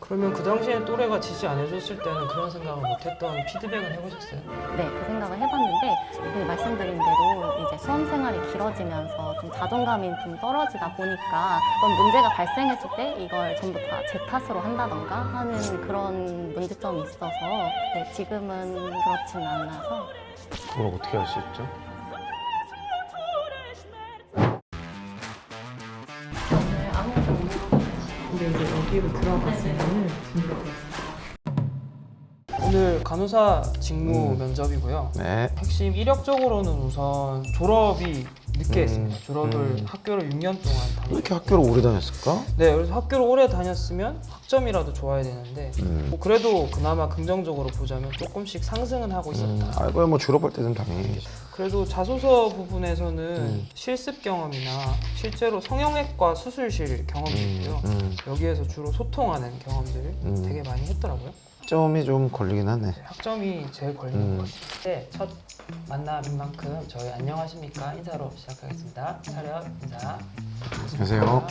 그러면 그 당시에 또래가 지지 안 해줬을 때는 그런 생각을 못했던 피드백은 해보셨어요? 네, 그 생각을 해봤는데 그 말씀드린 대로 이제 수험 생활이 길어지면서 좀 자존감이 좀 떨어지다 보니까 어떤 문제가 발생했을 때 이걸 전부 다 제 탓으로 한다던가 하는 그런 문제점이 있어서 네, 지금은 그렇진 않아서 그걸 어떻게 할 수 있죠? 오늘 아무것도 못 근데 이제 여기로 들어갔으면은 진짜 오늘 간호사 직무 면접이고요. 네. 핵심 이력적으로는 우선 졸업이 늦게 했습니다. 졸업을 음. 학교를 6년 동안 왜 다녔어요. 이렇게 학교를 오래 다녔을까? 네, 그래서 학교를 오래 다녔으면 학점이라도 좋아야 되는데 뭐 그래도 그나마 긍정적으로 보자면 조금씩 상승은 하고 있었다. 알고야 뭐 졸업할 때는 당연히. 그래도 자소서 부분에서는 실습 경험이나 실제로 성형외과 수술실 경험이 있고요. 여기에서 주로 소통하는 경험들을 되게 많이 했더라고요. 점이 좀 걸리긴 하네. 학점이 제일 걸리는 것 같아요. 네, 첫 만남인 만큼 저희 안녕하십니까 인사로 시작하겠습니다. 차렷 인사. 안녕하세요.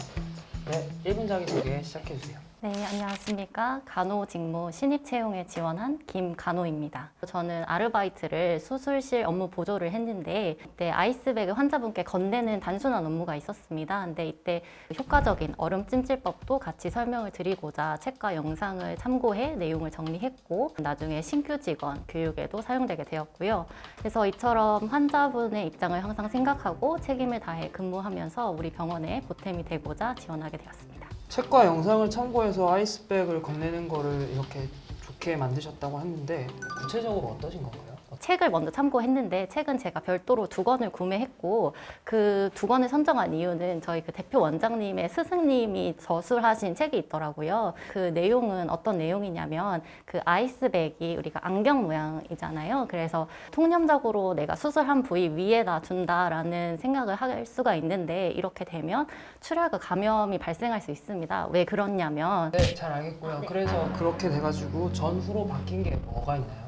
네, 1분 자기소개 시작해주세요. 네, 안녕하십니까. 간호 직무 신입 채용에 지원한 김간호입니다. 저는 아르바이트를 수술실 업무 보조를 했는데 이때 아이스백을 환자분께 건네는 단순한 업무가 있었습니다. 근데 이때 효과적인 얼음 찜질법도 같이 설명을 드리고자 책과 영상을 참고해 내용을 정리했고 나중에 신규 직원 교육에도 사용되게 되었고요. 그래서 이처럼 환자분의 입장을 항상 생각하고 책임을 다해 근무하면서 우리 병원에 보탬이 되고자 지원하게 되었습니다. 책과 영상을 참고해서 아이스백을 건네는 거를 이렇게 좋게 만드셨다고 했는데 구체적으로 어떠신 건가요? 책을 먼저 참고했는데 책은 제가 별도로 2권을 구매했고 그 2권을 선정한 이유는 저희 그 대표 원장님의 스승님이 저술하신 책이 있더라고요. 그 내용은 어떤 내용이냐면 그 아이스백이 우리가 안경 모양이잖아요. 그래서 통념적으로 내가 수술한 부위 위에다 둔다라는 생각을 할 수가 있는데 이렇게 되면 출혈과 감염이 발생할 수 있습니다. 왜 그렇냐면 네, 잘 알겠고요. 그래서 그렇게 돼가지고 전후로 바뀐 게 뭐가 있나요?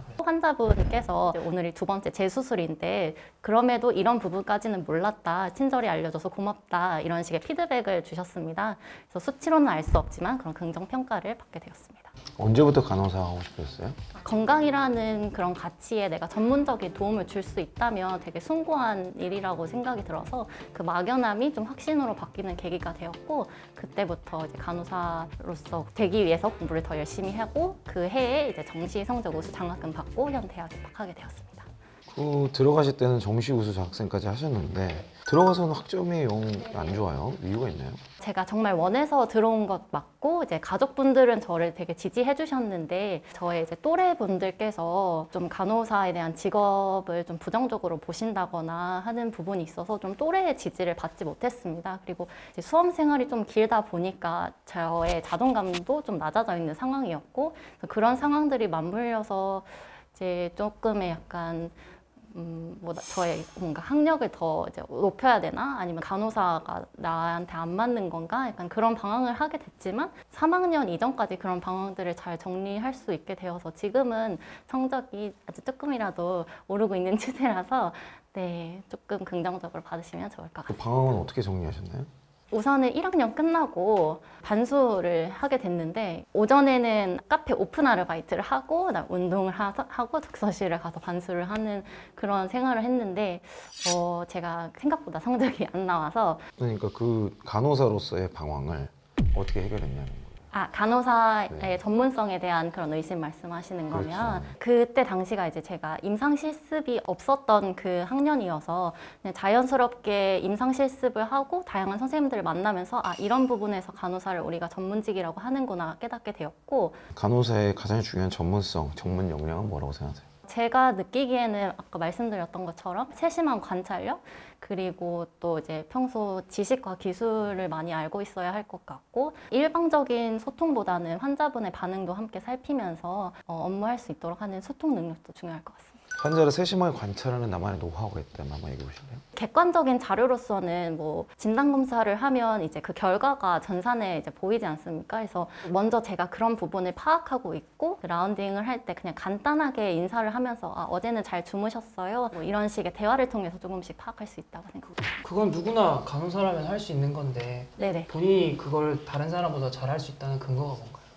환자분께서 오늘이 2번째 재수술인데 그럼에도 이런 부분까지는 몰랐다. 친절히 알려줘서 고맙다. 이런 식의 피드백을 주셨습니다. 그래서 수치로는 알 수 없지만 그런 긍정평가를 받게 되었습니다. 언제부터 간호사 하고 싶었어요? 건강이라는 그런 가치에 내가 전문적인 도움을 줄 수 있다면 되게 숭고한 일이라고 생각이 들어서 그 막연함이 좀 확신으로 바뀌는 계기가 되었고 그때부터 이제 간호사로서 되기 위해서 공부를 더 열심히 하고 그 해에 이제 정시 성적 우수 장학금 받고 현 대학에 입학하게 되었습니다. 그 들어가실 때는 정시 우수 장학생까지 하셨는데 들어가서는 학점이 영 안 좋아요. 이유가 있나요? 제가 정말 원해서 들어온 것 맞고 이제 가족분들은 저를 되게 지지해 주셨는데 저의 이제 또래 분들께서 좀 간호사에 대한 직업을 좀 부정적으로 보신다거나 하는 부분이 있어서 좀 또래의 지지를 받지 못했습니다. 그리고 이제 수험 생활이 좀 길다 보니까 저의 자존감도 좀 낮아져 있는 상황이었고 그런 상황들이 맞물려서 이제 조금의 약간 뭐 저의 뭔가 학력을 더 이제 높여야 되나 아니면 간호사가 나한테 안 맞는 건가 약간 그런 방황을 하게 됐지만 3학년 이전까지 그런 방황들을 잘 정리할 수 있게 되어서 지금은 성적이 아주 조금이라도 오르고 있는 추세라서 네 조금 긍정적으로 받으시면 좋을 것 그 같아요. 방황은 어떻게 정리하셨나요? 우선은 1학년 끝나고 반수를 하게 됐는데 오전에는 카페 오픈 아르바이트를 하고 그다음 운동을 하고 독서실을 가서 반수를 하는 그런 생활을 했는데 제가 생각보다 성적이 안 나와서 그러니까 그 간호사로서의 방황을 어떻게 해결했냐는 거예요. 간호사의 네. 전문성에 대한 그런 의심 말씀하시는 거면 그렇죠. 그때 당시가 이제 제가 임상 실습이 없었던 그 학년이어서 그냥 자연스럽게 임상 실습을 하고 다양한 선생님들을 만나면서 이런 부분에서 간호사를 우리가 전문직이라고 하는구나 깨닫게 되었고 간호사의 가장 중요한 전문성, 전문 역량은 뭐라고 생각하세요? 제가 느끼기에는 아까 말씀드렸던 것처럼 세심한 관찰력 그리고 또 이제 평소 지식과 기술을 많이 알고 있어야 할 것 같고 일방적인 소통보다는 환자분의 반응도 함께 살피면서 업무할 수 있도록 하는 소통 능력도 중요할 것 같습니다. 환자를 세심하게 관찰하는 나만의 노하우가 있다면 한번 얘기해 보실래요? 객관적인 자료로서는 뭐 진단 검사를 하면 이제 그 결과가 전산에 이제 보이지 않습니까? 그래서 먼저 제가 그런 부분을 파악하고 있고 라운딩을 할 때 그냥 간단하게 인사를 하면서 어제는 잘 주무셨어요? 뭐 이런 식의 대화를 통해서 조금씩 파악할 수 있다고 생각합니다. 그건 누구나 간호사라면 할 수 있는 건데 네네. 본인이 그걸 다른 사람보다 잘할 수 있다는 근거가 뭔가요?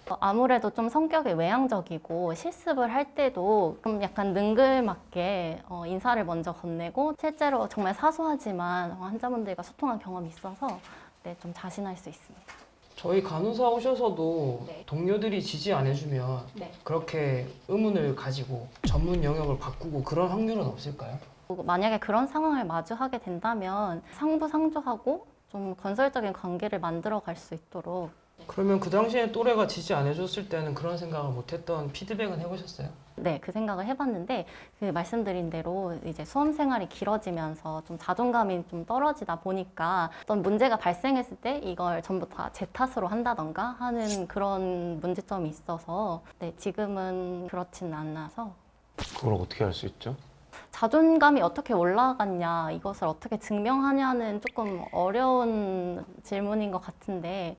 아무래도 좀 성격이 외향적이고 실습을 할 때도 좀 약간 능글맞게 인사를 먼저 건네고 실제로 정말 사소하지만 환자분들과 소통한 경험이 있어서 네, 좀 자신할 수 있습니다. 저희 간호사 오셔서도 네. 동료들이 지지 안 해주면 네. 그렇게 의문을 가지고 전문 영역을 바꾸고 그런 확률은 없을까요? 만약에 그런 상황을 마주하게 된다면 상부상조하고 좀 건설적인 관계를 만들어 갈 수 있도록 그러면 그 당시에 또래가 지지 안 해줬을 때는 그런 생각을 못했던 피드백은 해보셨어요? 네, 그 생각을 해봤는데 그 말씀드린 대로 이제 수험 생활이 길어지면서 좀 자존감이 좀 떨어지다 보니까 어떤 문제가 발생했을 때 이걸 전부 다 제 탓으로 한다던가 하는 그런 문제점이 있어서 네, 지금은 그렇진 않아서 그걸 어떻게 할 수 있죠? 자존감이 어떻게 올라갔냐, 이것을 어떻게 증명하냐는 조금 어려운 질문인 것 같은데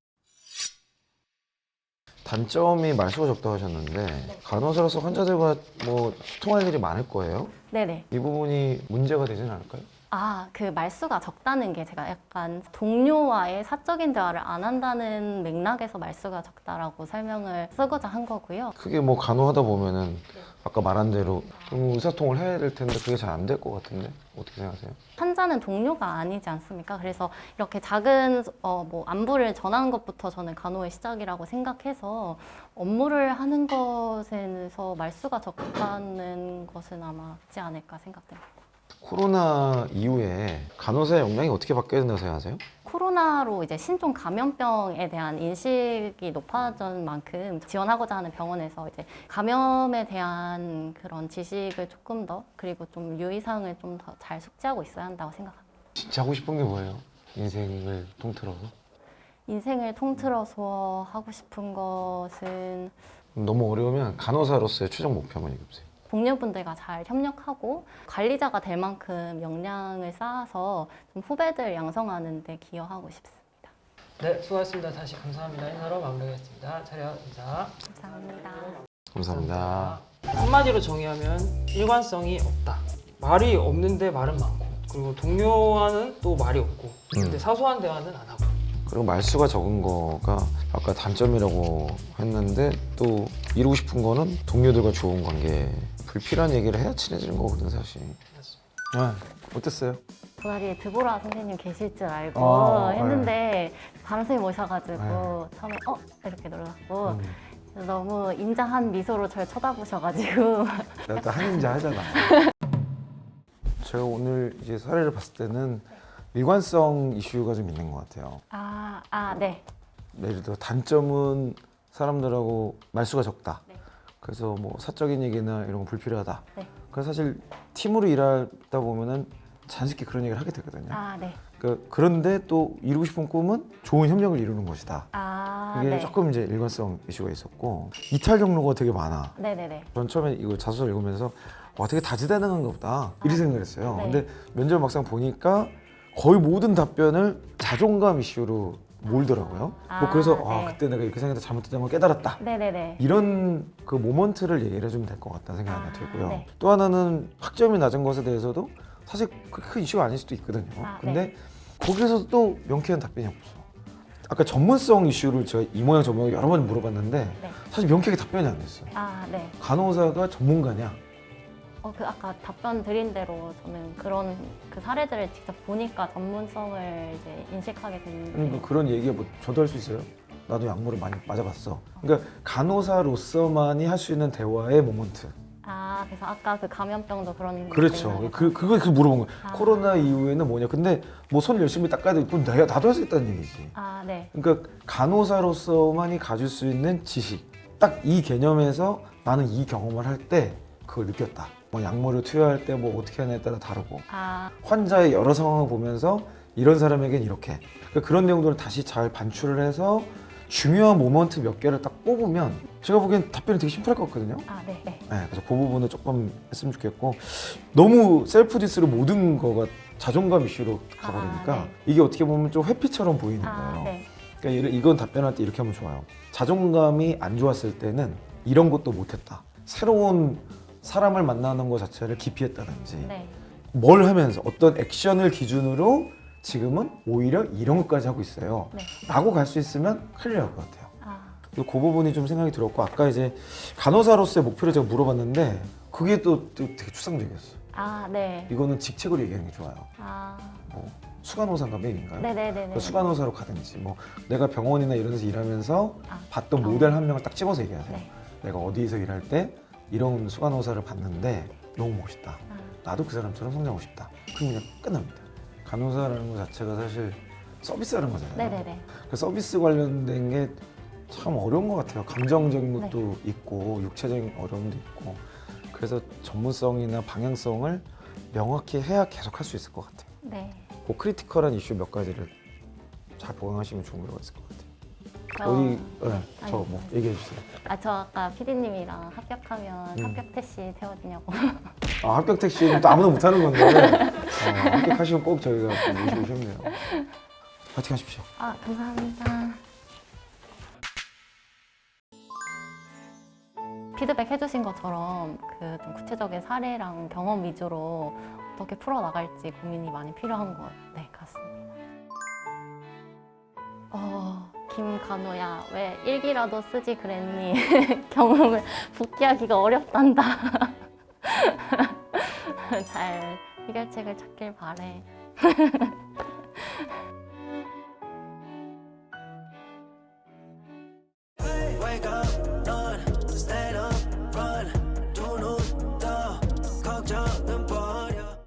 단점이 말수가 적다고 하셨는데 간호사로서 환자들과 뭐 소통할 일이 많을 거예요. 네네. 이 부분이 문제가 되진 않을까요? 그 말수가 적다는 게 제가 약간 동료와의 사적인 대화를 안 한다는 맥락에서 말수가 적다라고 설명을 쓰고자 한 거고요. 그게 뭐 간호하다 보면은 아까 말한 대로 좀 의사소통을 해야 될 텐데 그게 잘 안 될 것 같은데 어떻게 생각하세요? 환자는 동료가 아니지 않습니까? 그래서 이렇게 작은 뭐 안부를 전하는 것부터 저는 간호의 시작이라고 생각해서 업무를 하는 것에서 말수가 적다는 것은 아마 없지 않을까 생각됩니다. 코로나 이후에 간호사의 역량이 어떻게 바뀌어야 된다고 생각하세요? 코로나로 이제 신종 감염병에 대한 인식이 높아진 만큼 지원하고자 하는 병원에서 이제 감염에 대한 그런 지식을 조금 더 그리고 좀 유의사항을 좀 더 잘 숙지하고 있어야 한다고 생각합니다. 진짜 하고 싶은 게 뭐예요? 인생을 통틀어서? 인생을 통틀어서 하고 싶은 것은 너무 어려우면 간호사로서의 최종 목표 한번 얘기해보세요. 동료분들과 잘 협력하고 관리자가 될 만큼 역량을 쌓아서 좀 후배들 양성하는 데 기여하고 싶습니다. 네, 수고하셨습니다. 다시 감사합니다. 인사로 마무리하겠습니다. 차렷 인사. 감사합니다. 감사합니다. 한마디로 정의하면 일관성이 없다. 말이 없는데 말은 많고, 그리고 동료와는 또 말이 없고, 근데 사소한 대화는 안 하고. 그리고 말수가 적은 거가 아까 단점이라고 했는데 또 이루고 싶은 거는 동료들과 좋은 관계. 불필요한 얘기를 해야 친해지는 거거든 사실. 어땠어요? 도다리에 드보라 선생님 계실 줄 알고 네. 했는데 다른 선생님 오셔가지고 처음에 이렇게 놀랐고 너무 인자한 미소로 저를 쳐다보셔가지고 내가 또 한인자 하잖아. 제가 오늘 이제 사례를 봤을 때는 일관성 이슈가 좀 있는 것 같아요. 네. 예를 들어 단점은 사람들하고 말수가 적다. 네. 그래서 뭐 사적인 얘기나 이런 거 불필요하다. 네. 그래서 사실 팀으로 일하다 보면은 자연스럽게 그런 얘기를 하게 되거든요. 네. 그런데 또 이루고 싶은 꿈은 좋은 협력을 이루는 것이다. 이게 네. 조금 이제 일관성 이슈가 있었고 이탈 경로가 되게 많아. 네네네. 전 처음에 이거 자소서 읽으면서 와 되게 다재다능한가 보다 이렇게 생각했어요. 네. 근데 면접 막상 보니까 거의 모든 답변을 자존감 이슈로 몰더라고요. 뭐 그래서 네. 그때 내가 이렇게 생각해서 잘못했던 걸 깨달았다. 네네네. 이런 그 모먼트를 얘기를 해주면 될 것 같다는 생각이 하나 들고요. 네. 또 하나는 학점이 낮은 것에 대해서도 사실 그렇게 큰 이슈가 아닐 수도 있거든요. 근데 거기서 또 명쾌한 답변이 없어. 아까 전문성 이슈를 제가 이 모양 저 모양 여러 번 물어봤는데 네. 사실 명쾌하게 답변이 안 됐어요. 네. 간호사가 전문가냐? 그 아까 답변 드린 대로 저는 그런 그 사례들을 직접 보니까 전문성을 이제 인식하게 됐는데 그러니까 그런 얘기가 뭐 저도 할 수 있어요. 나도 약물을 많이 맞아봤어. 그러니까 간호사로서만이 할 수 있는 대화의 모먼트. 그래서 아까 그 감염병도 그런 그렇죠. 맥락에서. 그걸 물어본 거예요. 코로나 이후에는 뭐냐. 근데 뭐 손 열심히 닦아야 되고 나도 할 수 있다는 얘기지. 네. 그러니까 간호사로서만이 가질 수 있는 지식. 딱 이 개념에서 나는 이 경험을 할 때 그걸 느꼈다. 뭐 약물을 투여할 때 뭐 어떻게 하냐에 따라 다르고 환자의 여러 상황을 보면서 이런 사람에겐 이렇게 그러니까 그런 내용들을 다시 잘 반출을 해서 중요한 모먼트 몇 개를 딱 뽑으면 제가 보기엔 답변이 되게 심플할 것 같거든요. 네. 그래서 그 부분을 조금 했으면 좋겠고 너무 셀프 디스로 모든 거가 자존감 이슈로 가버리니까 네. 이게 어떻게 보면 좀 회피처럼 보이는 거예요. 네. 그러니까 이건 답변할 때 이렇게 하면 좋아요. 자존감이 안 좋았을 때는 이런 것도 못했다. 새로운 사람을 만나는 것 자체를 기피했다든지 네. 뭘 하면서 어떤 액션을 기준으로 지금은 오히려 이런 것까지 하고 있어요. 네. 라고 갈 수 있으면 큰일 날 것 같아요. 그 부분이 좀 생각이 들었고 아까 이제 간호사로서의 목표를 제가 물어봤는데 그게 또 되게 추상적이었어요. 아, 네. 이거는 직책으로 얘기하는 게 좋아요. 아, 뭐 수간호사인가 메인인가요? 네네네. 그 수간호사로 가든지 뭐 내가 병원이나 이런 데서 일하면서 봤던 경험. 모델 한 명을 딱 집어서 얘기하세요. 네. 내가 어디에서 일할 때 이런 수간호사를 봤는데 너무 멋있다. 나도 그 사람처럼 성장하고 싶다. 그럼 그냥 끝납니다. 간호사라는 것 자체가 사실 서비스하는 거잖아요. 네네네. 그 서비스 관련된 게 참 어려운 것 같아요. 감정적인 것도 있고 육체적인 어려움도 있고 그래서 전문성이나 방향성을 명확히 해야 계속 할 수 있을 것 같아요. 네. 그 크리티컬한 이슈 몇 가지를 잘 보강하시면 좋은 거가 있을 것 같아요. 저- 어디 아니, 저 뭐 얘기해 주세요. 저 아까 PD님이랑 합격하면 합격 택시 태워주냐고. 아, 합격 택시는 또 아무나 못하는 건데 합격하시면 꼭 저희가 모시고 싶네요. 파이팅 하십시오. 아, 감사합니다. 피드백 해주신 것처럼 그 좀 구체적인 사례랑 경험 위주로 어떻게 풀어나갈지 고민이 많이 필요한 것 같습니다. 김간호야, 왜 일기라도 쓰지 그랬니? 경험을 복귀하기가 어렵단다. 잘 해결책을 찾길 바래.